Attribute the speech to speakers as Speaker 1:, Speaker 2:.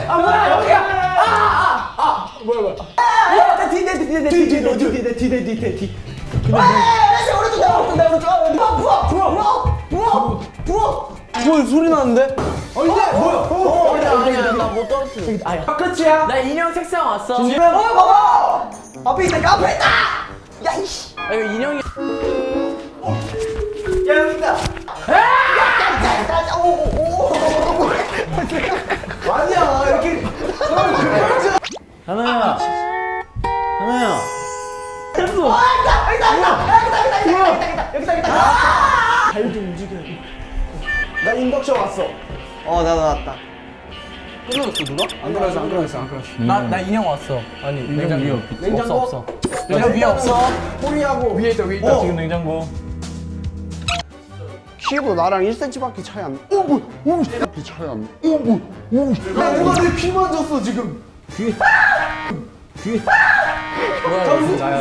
Speaker 1: 뭐야 여기야. 뭐야. 뒤.
Speaker 2: 뭐 소리 나는데?
Speaker 1: 아니야 나못 떨었어. 아야. 끝이야. 나 인형 책상 왔어.
Speaker 2: 봐봐! 앞에 있다, 앞에 있다! 야, 이씨!
Speaker 1: 아 이거 인형이.
Speaker 2: 야, 여기 있다! 아니야, 이렇게.
Speaker 1: 하나야.
Speaker 2: 발좀 움직여. 나 인덕션 왔어. 나 나왔다.
Speaker 1: 끊어졌어 누가?
Speaker 2: 안 그러졌어.
Speaker 1: 나 인형 왔어. 아니 냉장고 위에
Speaker 2: 냉장고?
Speaker 1: 없어. 냉장고 위에 없어.
Speaker 2: 호리하고
Speaker 3: 위에 있다 지금 냉장고.
Speaker 2: 키도 나랑 1cm밖에 차이 안 나. 야, 누가 내 피 만졌어, 지금.
Speaker 1: 뭐야?